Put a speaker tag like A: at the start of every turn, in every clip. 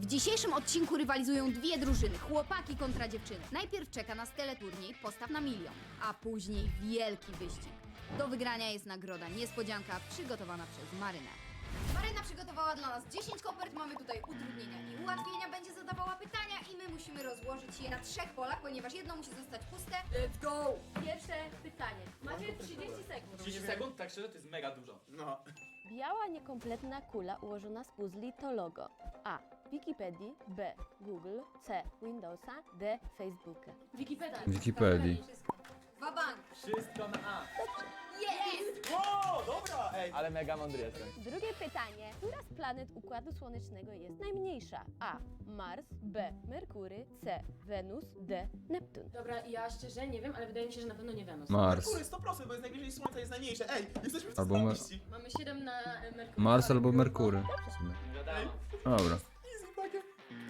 A: dzisiejszym odcinku rywalizują dwie drużyny, chłopaki kontra dziewczyny. Najpierw czeka nas teleturniej Postaw na milion, a później wielki wyścig. Do wygrania jest nagroda niespodzianka przygotowana przez Marynę. Maryna przygotowała dla nas 10 kopert, mamy tutaj utrudnienia i ułatwienia, będzie zadawała pytania i my musimy rozłożyć je na 3 polach, ponieważ jedno musi zostać puste. Let's go!
B: Pierwsze pytanie. Macie 30 sekund.
C: 30 sekund? Tak szczerze, to jest mega dużo.
D: No.
B: Biała, niekompletna kula ułożona z puzli to logo A. Wikipedii, B. Google, C. Windowsa, D. Facebooka.
E: Wikipedii.
A: Wabank!
C: Wszystko na A.
A: Jest!
D: O, dobra! Ej,
C: Ale mega mądry jestem.
B: Drugie pytanie. Która z planet Układu Słonecznego jest najmniejsza? A. Mars, B. Merkury, C. Wenus, D. Neptun.
F: Dobra, ja szczerze nie wiem, ale wydaje mi się, że na pewno nie Wenus.
E: Mars.
D: Merkury 100%, bo jest najbliżej Słońca, jest najmniejsze. Ej, jesteśmy w
E: Albo
D: totalności.
F: Mamy 7 na Merkury.
E: Mars albo Merkury. W sumie.
C: Wiadomo.
E: Dobra.
D: Easy takie.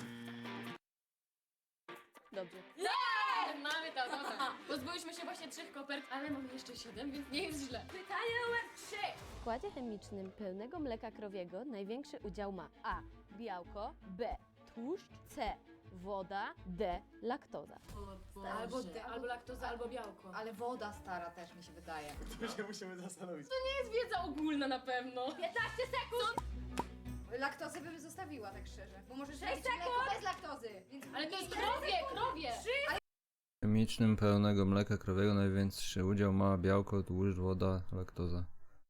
B: Dobrze.
F: Mamy to, dobra. Pozbyliśmy się właśnie 3 kopert, ale mamy jeszcze 7, więc nie jest źle. Pytanie numer 3.
B: W składzie chemicznym pełnego mleka krowiego największy udział ma A. Białko, B. Tłuszcz, C. Woda, D. Laktoza.
F: Albo laktoza, albo białko.
A: Ale woda stara też mi się wydaje.
D: Tu się musimy zastanowić.
F: To jest wiedza ogólna na pewno. 15 sekund!
A: Laktozę bym zostawiła, tak szczerze, bo możesz
F: 6
A: robić mleko
F: sekund!
A: bez laktozy. Więc
F: Ale to jest
A: nie-
F: krowie!
E: W chemicznym pełnego mleka krowiego największy udział ma białko, tłuszcz, woda, laktoza.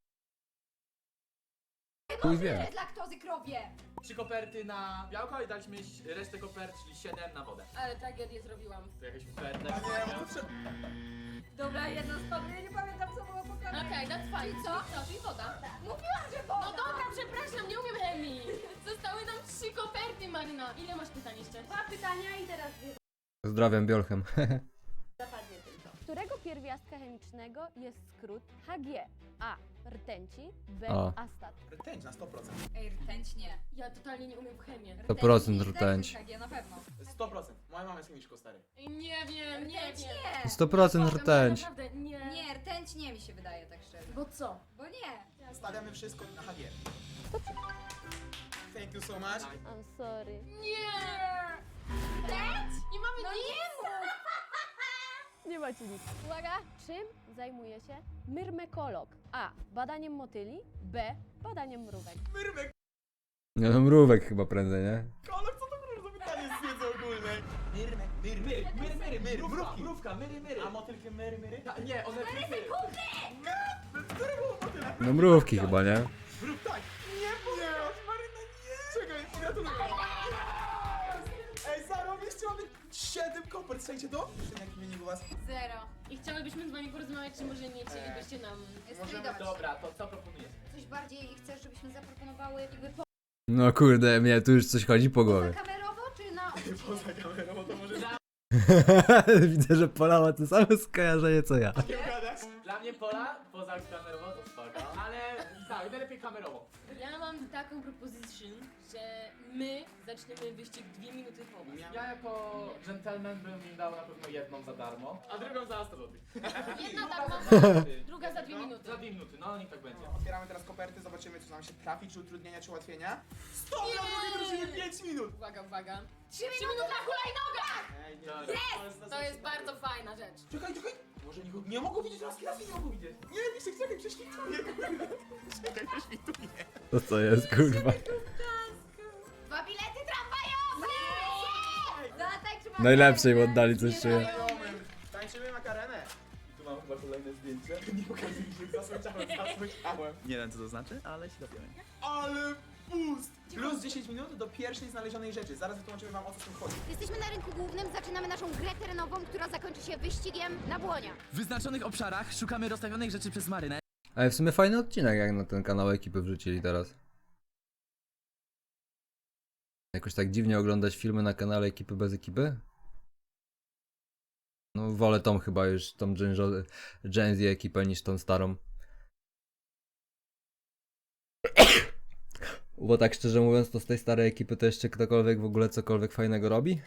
E: Chuj wie.
A: Bez laktozy krowie!
C: 3 koperty na białko i daliśmy resztę kopert, czyli 7 na wodę.
F: Ale tragedię zrobiłam.
C: To jakaś koperta.
D: Nie, bo to trzeba...
A: Dobra, jedna spadła, ja nie pamiętam co było pokazane.
F: Okej, that's fine.
A: I co?
F: Czyli woda.
A: Mówiłam, że woda!
F: No dobra, przepraszam, nie umiem chemii. Zostały nam 3 koperty, Maryna. Ile masz pytań jeszcze? 2 pytania i teraz
E: Pozdrawiam Biolchem.
F: zapadnie tylko.
B: Którego pierwiastka chemicznego jest skrót Hg? A. Rtęci, B.
E: A.
B: Astat.
D: Rtęć na 100%.
A: Ej, rtęć nie.
F: Ja totalnie nie umiem w chemię.
E: 100% rtęć.
A: Tak, ja na pewno.
D: 100%. Moja mama jest chemiczką, stary.
F: Nie wiem, nie
A: Rtęć
F: wiem.
A: nie!
E: 100% rtęć.
F: Naprawdę, nie.
A: Nie, rtęć nie mi się wydaje, tak szczerze.
F: Bo co?
A: Bo nie.
D: Stawiamy wszystko na HG. Thank you so much.
B: I'm sorry.
F: Nie! Rtęć? Nie mamy
A: No
F: nic!
A: nie mów!
B: Nie macie nic. Uwaga, czym zajmuje się myrmekolog? A. Badaniem motyli, B. Badaniem mrówek.
D: Myrmek,
E: Nie no, mrówek chyba prędzej, nie?
D: kolor, co to kurwa za pytanie z wiedzy ogólnej? Myry, mrówki.
C: Mrówka, myry.
D: A motylkę myry?
C: Nie, one myry.
D: Które było motyle?
E: No mrówki chyba, nie?
D: Mrów, tak. Nie powiedziałaś, Maryna, nie! Czekaj, gratuluję. Ej, zarobiście, mamy 7 kopert, słuchajcie to? Jaki wynik u was?
A: 0.
F: I chciałybyśmy z wami porozmawiać, czy może nie chcielibyście nam...
A: Możemy
C: Dobra, to co proponujesz?
A: coś bardziej chcesz, żebyśmy zaproponowały jakby
E: No kurde, mnie tu już coś chodzi po głowie.
A: kamerowo czy na odcinek?
D: Poza kamerą, to może
E: Widzę, że Pola ma to samo skojarzenie co ja.
D: nie gadać.
C: Dla mnie Pola, poza kamerowo to spoko, ale tak, najlepiej kamerowo.
F: Ja mam taką propozycję, że my zaczniemy wyścig 2 minuty po was.
C: Ja jako gentleman bym im dał na pewno jedną za darmo, a drugą za 100 zł.
F: Jedna darmo, druga za 2 minuty.
C: Za 2 minuty, no niech tak będzie.
D: Otwieramy teraz koperty, zobaczymy co nam się trafi, czy utrudnienia, czy ułatwienia. Stop! Dla drugiej drużyny 5 minut!
F: Uwaga, uwaga. 3 minuty na hulajnogach!
D: Ej, nie.
C: Dobra.
F: To jest bardzo fajna rzecz.
D: Czekaj, może nie mogą widzieć laski nie mogą widzieć. Nie, Wiszek, czekaj, prześwituję. Czekaj, prześwituję.
E: To co jest, kurwa?
A: 2 bilety tramwajowe! Zatańczymy
E: Najlepszej im oddali coś czuję.
D: Znajomym. Tańczymy makarenę. I tu mam chyba kolejne zdjęcie. Nie pokazuj mi się, zasłyszałem.
G: Nie wiem co to znaczy, ale się dowiemy.
D: Ale boost! Plus 10 minut do pierwszej znalezionej rzeczy. Zaraz wytłumaczymy wam o co w tym chodzi.
A: Jesteśmy na rynku głównym, zaczynamy naszą grę terenową, która zakończy się wyścigiem na błonia.
G: W wyznaczonych obszarach szukamy rozstawionych rzeczy przez Marynę.
E: Ale w sumie fajny odcinek, jak na ten kanał ekipy wrzucili teraz. Jakoś tak dziwnie oglądać filmy na kanale ekipy bez ekipy? No wolę tą chyba już, tą Gen Z ekipę niż tą starą. Bo tak szczerze mówiąc, to z tej starej ekipy to jeszcze ktokolwiek w ogóle cokolwiek fajnego robi?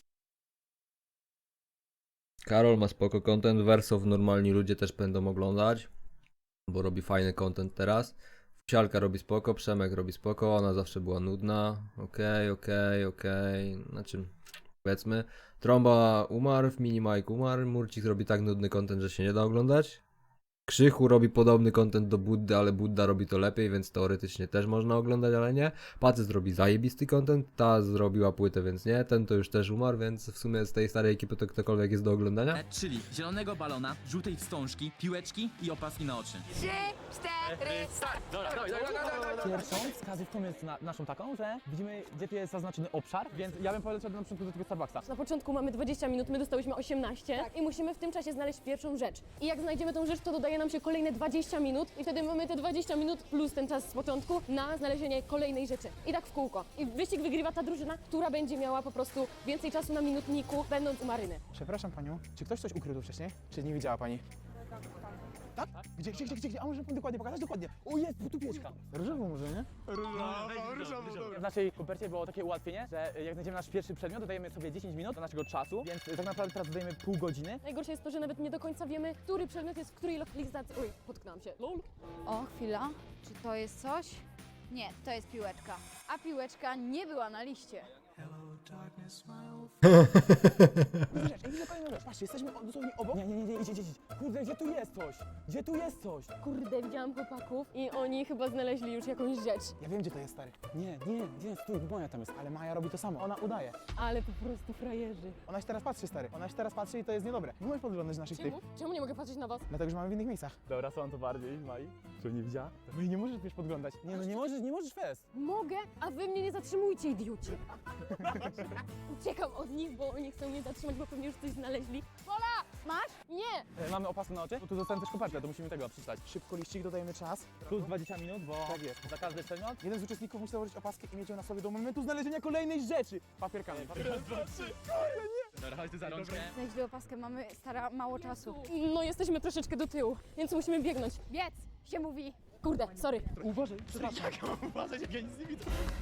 E: Karol ma spoko content, Wersow normalni ludzie też będą oglądać, bo robi fajny content teraz. Psialka robi spoko, Przemek robi spoko, ona zawsze była nudna. Okej. Znaczy, powiedzmy. Trąba umarł, Mini Mike umarł, Murcik robi tak nudny content, że się nie da oglądać. Krzychu robi podobny content do Buddy, ale Budda robi to lepiej, więc teoretycznie też można oglądać, ale nie. Pacyz robi zajebisty content, ta zrobiła płytę, więc nie. Ten to już też umarł, więc w sumie z tej starej ekipy to ktokolwiek jest do oglądania.
G: Czyli zielonego balona, żółtej wstążki, piłeczki i opaski na oczy.
A: 3, 4,
C: Pierwszą wskazówką jest naszą taką, że widzimy, gdzie tu jest zaznaczony obszar, więc ja bym poleciał na początku do tego Starbucksa.
B: Na początku mamy 20 minut, my dostałyśmy 18 i musimy w tym czasie znaleźć pierwszą rzecz. I jak znajdziemy tą rzecz, to dodaje nam się kolejne 20 minut i wtedy mamy te 20 minut plus ten czas z początku na znalezienie kolejnej rzeczy. I tak w kółko. I wyścig wygrywa ta drużyna, która będzie miała po prostu więcej czasu na minutniku, będąc u Maryny.
D: Przepraszam panią, czy ktoś coś ukrył tu wcześniej? Czy nie widziała pani? Tak? Gdzie? A może pan dokładnie pokazać? Dokładnie. O, jest, tu pieczka. Różową może, nie? Różową.
C: W naszej kopercie było takie ułatwienie, że jak znajdziemy nasz pierwszy przedmiot, dodajemy sobie 10 minut do naszego czasu, więc tak naprawdę teraz dodajemy pół godziny.
B: Najgorsze jest to, że nawet nie do końca wiemy, który przedmiot jest w której lokalizacji. Oj, potknęłam się. Lol.
A: O, chwila. Czy to jest coś? Nie, to jest piłeczka. A piłeczka nie była na liście.
D: Kolejna rzecz. Patrzcie, jesteśmy dosłownie obok. Nie, idź. Kurde, gdzie tu jest coś? Gdzie tu jest coś?
B: Kurde, widziałam chłopaków i oni chyba znaleźli już jakąś rzecz.
D: Ja wiem, gdzie to jest, stary. Nie, stój, Maja tam jest. Ale Maja robi to samo, ona udaje.
B: Ale po prostu frajerzy.
D: Ona się teraz patrzy, stary. Ona się teraz patrzy i to jest niedobre. Nie możesz podglądać naszych tych.
B: Czemu nie mogę patrzeć na was?
D: Dlatego, że mamy w innych miejscach.
C: Dobra, są to bardziej, Mai. Czy nie widziała?
D: No i nie możesz wiesz podglądać. Nie, no nie możesz fest.
B: Mogę, a wy mnie nie zatrzymujcie, idioci. Uciekam od nich, bo oni chcą mnie zatrzymać, bo pewnie już coś znaleźli. Pola! Masz? Nie!
C: Mamy opaskę na oczy, tu zostałem też kopertę, to musimy tego przeczytać.
D: Szybko liścik, dodajemy czas.
C: Plus 20 minut, bo
D: Tak jest.
C: za każdy przedmiot.
D: Jeden z uczestników musi założyć opaskę i mieć ją na sobie do momentu znalezienia kolejnej rzeczy. Papierkami.
C: Dobra, chodź tu za rączkę.
A: Znaleźli opaskę, mamy mało czasu.
B: No jesteśmy troszeczkę do tyłu, więc musimy biegnąć.
A: Biec się mówi.
B: Kurde, sorry.
D: Uważaj, przepraszam.
C: Uważaj, jak ja nic nie widzę.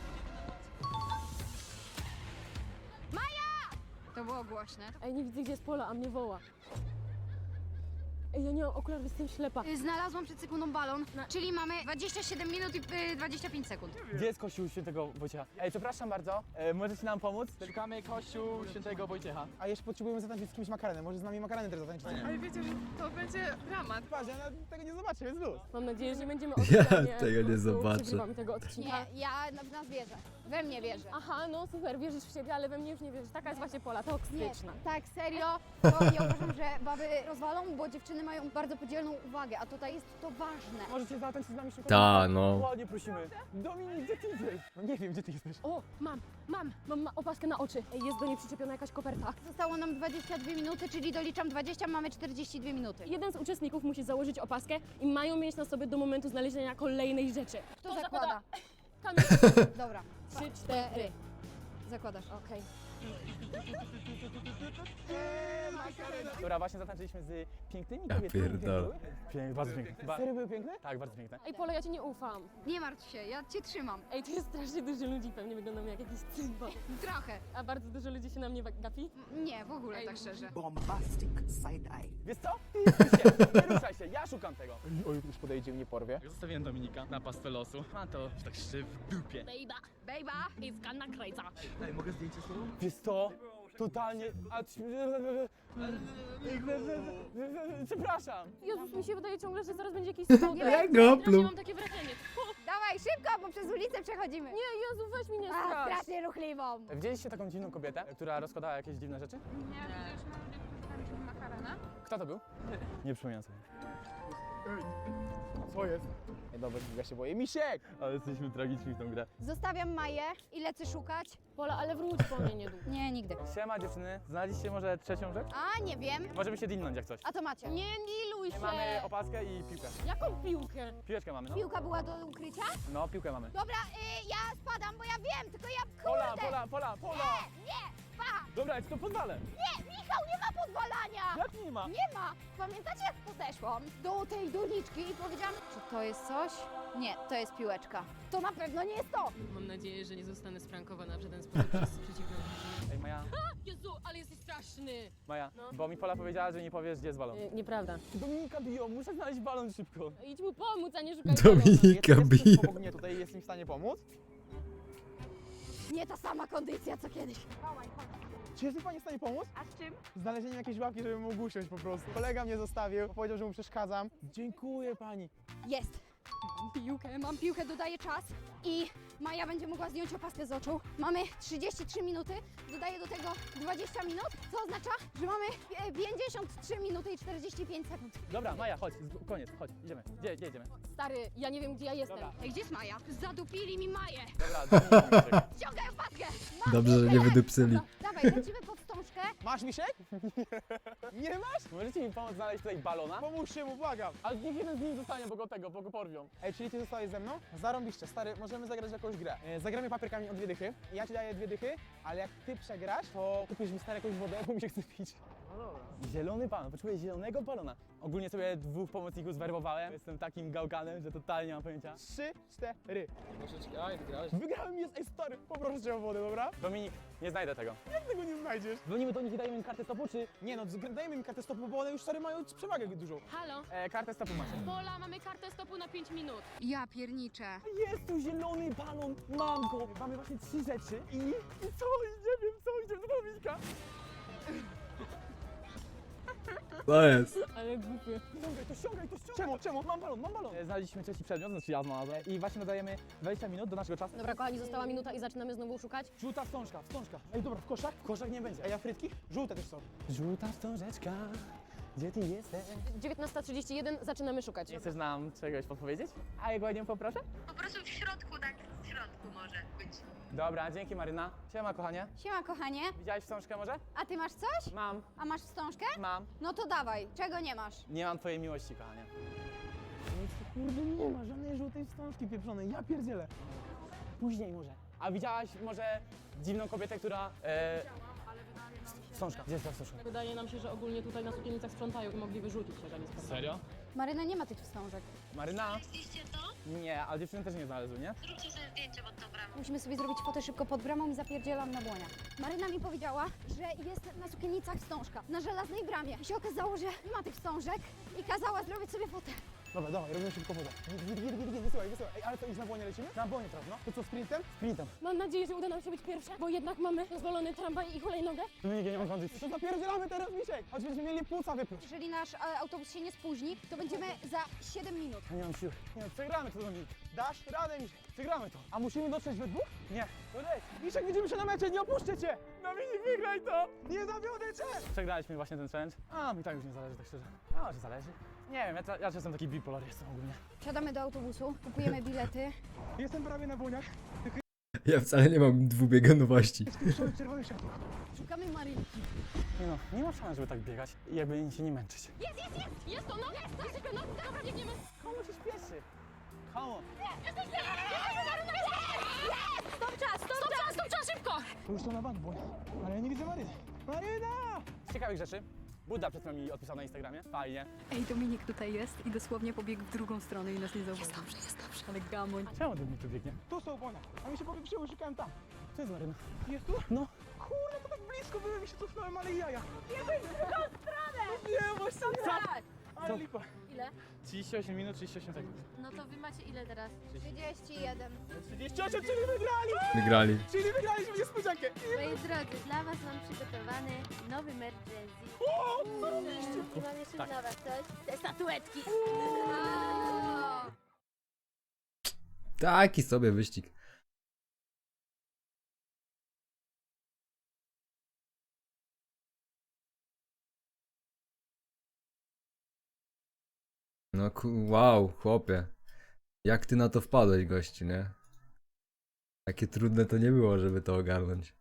A: To było głośne.
B: Ej, nie widzę, gdzie jest Pola, a mnie woła. Ej, ja nie mam okularów, jestem ślepa.
A: Znalazłam przed sekundą balon, czyli mamy 27 minut i 25 sekund.
C: Gdzie jest kościół świętego Wojciecha? Ej, przepraszam bardzo, możecie nam pomóc? Szukamy kościół świętego Wojciecha.
D: A jeszcze potrzebujemy zatańczyć z kimś makarenem. Może z nami makarenem też zatańczyć.
H: Ale wiecie, że to będzie dramat.
D: Patrz, ja tego nie zobaczę, jest luz.
B: Mam nadzieję, że nie będziemy
E: Ja
B: odcinać,
E: tego nie zobaczę.
B: Przegrywamy tego odcinka.
A: Nie, ja w nas wierzę. We mnie wierzę.
B: Aha, no super, wierzysz w siebie, ale we mnie już nie wierzysz. Taka jest właśnie Pola, toksyczna.
A: Tak, serio, to ja uważam, że baby rozwalą, bo dziewczyny mają bardzo podzielną uwagę, a tutaj jest to ważne.
D: Możecie zatańczyć z nami szybko?
E: Ta, no.
D: Ładnie prosimy. Dominik, gdzie ty idziesz? No nie wiem, gdzie ty jesteś.
B: O, mam opaskę na oczy. Ej, jest do niej przyczepiona jakaś koperta.
A: Zostało nam 22 minuty, czyli doliczam 20, mamy 42 minuty.
B: Jeden z uczestników musi założyć opaskę i mają mieć na sobie do momentu znalezienia kolejnej rzeczy.
A: Kto zakłada?
B: Kamil.
A: Dobra,
B: 3, 4.
A: zakładasz.
B: Okej.
C: Dobra, właśnie zatańczyliśmy z pięknymi
E: Ja
C: kobietami.
E: pierdolę.
C: Bardzo piękne.
D: Serio były piękne?
C: Tak, bardzo piękne.
B: Ej, Pola, ja ci nie ufam.
A: Nie martw się, ja cię trzymam.
B: Ej, tu jest strasznie dużo ludzi, pewnie wyglądam jak jakiś cymbał.
A: Trochę.
B: A bardzo dużo ludzi się na mnie gapi.
A: Nie, w ogóle tak szczerze.
I: Bombastic side eye.
C: Wiesz co? Nie ruszaj się, ja szukam tego.
D: Oj, już podejdzie i mnie porwie.
G: Zostawiłem Dominika na pastwę losu. Ma to tak szczyt w dupie.
A: Bejba!
B: It's gonna crazy.
G: Ej, mogę zdjęcie z tobą?
C: Wiesz co? Totalnie... Przepraszam.
B: Jezus, mi się wydaje ciągle, że zaraz będzie jakiś schodek.
E: Jak go
B: Strasznie mam takie wrażenie.
A: Dawaj, szybko, bo przez ulicę przechodzimy.
B: Nie, Jezu, weź mi nie
A: A,
B: strasz.
A: strasznie ruchliwą.
C: Widzieliście taką dziwną kobietę, która rozkładała jakieś dziwne rzeczy?
H: Nie, wiesz, mam dziewczynę tańczył makarena.
C: Kto to był? Nie przypominam sobie.
D: Co jest? Nie, dobra, ja się boję. Misiek!
C: Ale jesteśmy tragiczni w tą grę.
A: Zostawiam Maję i lecę szukać.
B: Pola, ale wróć po mnie niedługo.
A: Nie, nigdy.
C: Siema dziewczyny, znaleźliście może trzecią rzecz?
A: A, nie wiem.
C: Możemy się dilnąć jak coś.
A: A to macie.
B: Nie diluj się.
C: Mamy opaskę i piłkę.
B: Jaką piłkę?
C: Piłeczkę mamy, no.
A: Piłka była do ukrycia?
C: No, piłkę mamy.
A: Dobra, ja spadam, bo ja wiem, tylko ja
C: Pola!
A: Nie, pa!
C: Dobra, ja ci to pozwalę.
A: Nie, Michał, nie ma podwalania!
C: Jak nie ma?
A: Nie ma! Pamiętacie, jak podeszłam do tej doniczki i powiedziałam, czy to jest coś? Nie, to jest piłeczka. To na pewno nie jest to!
F: Mam nadzieję, że nie zostanę sprankowana w żaden sposób przez przeciwną drużynę.
C: Ej, Maja.
B: Jezu, ale jesteś straszny.
C: Maja,
B: No.
C: bo mi Pola powiedziała, że nie powiesz, gdzie jest balon.
B: Nieprawda.
C: Dominika biją, muszę znaleźć balon szybko.
B: Idź mu pomóc, a nie szukaj balona.
E: Dominika
D: Jest
E: bije.
D: ktoś obok mnie tutaj, jest mi w stanie pomóc?
A: Nie ta sama kondycja co kiedyś.
D: Czy jest mi pani w stanie pomóc?
H: A z czym?
D: Znalezieniem jakiejś łapki, żebym mógł usiąść po prostu. Kolega mnie zostawił, bo powiedział, że mu przeszkadzam. Dziękuję pani.
A: Jest. Mam piłkę, dodaję czas i Maja będzie mogła zdjąć opaskę z oczu. Mamy 33 minuty, dodaję do tego 20 minut, co oznacza, że mamy 53 minuty i 45 sekund.
C: Dobra, Maja, chodź, koniec, chodź, idziemy. Gdzie idziemy?
B: Stary, ja nie wiem, gdzie ja jestem.
C: Dobra.
A: Ej, gdzie jest Maja? Zadupili mi Maję!
C: Dobra, Dominika.
A: Ściągaj opaskę!
E: Dobrze, że nie wydupcyli.
A: Dawaj, lecimy pod wstążkę.
D: Masz misiek? Nie masz?
C: Możecie mi pomóc znaleźć tutaj balona?
D: Pomóżcie mu, błagam.
C: Ale niech jeden z nich zostanie, bo go porwią.
D: Ej, czyli ty zostałeś ze mną? Zarąbiście, stary, możemy zagrać w jakąś grę. Zagramy papierkami o 2 dychy. Ja ci daję 2 dychy, ale jak ty przegrasz, to kupisz mi stary jakąś wodę, bo mi się chce pić.
C: Zielony balon, potrzebuję zielonego balona. Ogólnie sobie 2 pomocników zwerbowałem. Jestem takim gałkanem, że totalnie nie mam pojęcia.
D: 3, 4.
C: Aj, wygrałeś.
D: Wygrałem, jest, ej stary, poproszę cię o wodę, dobra?
C: Dominik, nie znajdę tego.
D: Jak tego nie znajdziesz?
C: Dzwonimy do nich i dajemy im kartę stopu, czy...
D: Nie no, dajmy mi kartę stopu, bo one już stary mają przewagę dużą.
F: Halo?
C: kartę stopu macie.
F: Pola, mamy kartę stopu na 5 minut.
A: Ja pierniczę.
C: Jest tu zielony balon, mam go. Mamy właśnie 3 rzeczy i co? Nie wiem co, idziemy do Dominika.
E: To jest.
B: Ale głupie.
C: Ściągaj to. Czemu? Mam balon. Znaleźliśmy trzeci przedmiot, znaczy ja znalazłem. I właśnie dodajemy 20 minut do naszego czasu.
B: Dobra, kochani, została minuta i zaczynamy znowu szukać.
C: Żółta wstążka. Ej, dobra, w koszach? W koszach nie będzie.
D: Ej, a frytki? Żółte też są.
C: Żółta wstążeczka, gdzie ty jesteś?
B: 19:31, zaczynamy szukać.
C: Nie chcesz nam czegoś podpowiedzieć? A jak ładnie poproszę?
J: Po prostu w środku, tak w środku może być.
C: Dobra, dzięki Maryna. Siema kochanie.
A: Siema, kochanie.
C: Widziałeś wstążkę może?
A: A ty masz coś?
C: Mam.
A: A masz wstążkę?
C: Mam.
A: No to dawaj. Czego nie masz?
C: Nie mam twojej miłości, kochanie.
D: Nic tu kurde nie ma, żadnej żółtej wstążki pieprzonej, ja pierdzielę.
C: Później może. A widziałaś może dziwną kobietę, która... Wstążka. Gdzie jest ta wstążka?
B: Wydaje nam się, że ogólnie tutaj na sukienicach sprzątają i mogli wyrzucić, jeżeli sprawdzą.
C: Serio?
A: Maryna nie ma tych wstążek.
C: Maryna?
J: Widzieliście to?
C: Nie, ale dziewczyny też nie znalazły, nie?
J: Zróbcie sobie zdjęcie pod tą bramą.
A: Musimy sobie zrobić fotę szybko pod bramą i zapierdzielam na błoniach. Maryna mi powiedziała, że jest na sukienicach wstążka, na żelaznej bramie. I się okazało, że nie ma tych wstążek i kazała zrobić sobie fotę.
D: Dobra, dawaj, robimy szybko wodę. Wysyłaj. Ej, ale co, już na błonie lecimy? Na błonie teraz, no. To co, sprintem?
C: Sprintem.
B: Mam nadzieję, że uda nam się być pierwsze, bo jednak mamy rozwalony tramwaj i hulajnogę.
C: Dominik, ja nie mam kondycji.
D: To zapierdzielamy teraz, Misiek! Choć będziemy mieli płuca wypluć.
A: Jeżeli nasz autobus się nie spóźni, to będziemy za 7 minut.
C: Ja nie mam siły.
D: Nie no, przegramy to, Dominik. Dasz radę, Misiek. Przegramy to. A musimy dotrzeć we dwóch?
C: Nie.
D: To leć. Misiek, widzimy się na mecie, nie opuszczę cię! Dominik, wygraj to! Nie zawiodę cię!
C: Przegraliśmy właśnie ten challenge. A, mi tak już nie zależy, tak szczerze. A, może zależy. Nie wiem, ja czasem taki bipolar jestem ogólnie.
A: Wsiadamy do autobusu, kupujemy bilety.
D: Jestem prawie na błoniach.
E: Ja wcale nie mam dwubiegunowości.
D: Czerwony światło.
A: Szukamy Marynki.
C: Nie no, nie ma szans, żeby tak biegać i jakby się nie męczyć.
B: Jest to, no! Jesteśmy, no! Dobra, biegniemy!
C: Komu się śpieszy? Komu?
F: Stop czas, szybko!
D: To już są na bank błoń. Ale ja nie widzę Maryny. Maryna!
C: Z ciekawych rzeczy. Buddha przed chwilą mi odpisał na Instagramie. Fajnie.
A: Ej, Dominik tutaj jest i dosłownie pobiegł w drugą stronę i nas nie zauważył. Jest dobrze. Ale gamoń.
C: Czemu Dominik tu biegnie?
D: Tu są błonia. A mi się popieprzyło, szukałem tam.
C: To jest Maryna.
D: Jest tu?
C: No.
D: Kurde, to tak blisko byłem i się cofnąłem, ale jaja. Nie wejdź w drugą stronę! Nie, właśnie
F: Tak!
D: Ale lipa.
F: Ile?
C: 38 minut, 38 sekund.
F: No to wy macie ile teraz?
A: 31.
D: 38, czyli wygrali!
E: Wygrali.
D: Czyli wygraliśmy niespodziankę.
F: Moi drodzy, dla was mam przygotowany nowy merch Gen Z. I mam jeszcze dla was coś. Te statuetki.
E: Taki sobie wyścig. No wow, chłopie. Jak ty na to wpadłeś, gościu, nie? Takie trudne to nie było, żeby to ogarnąć.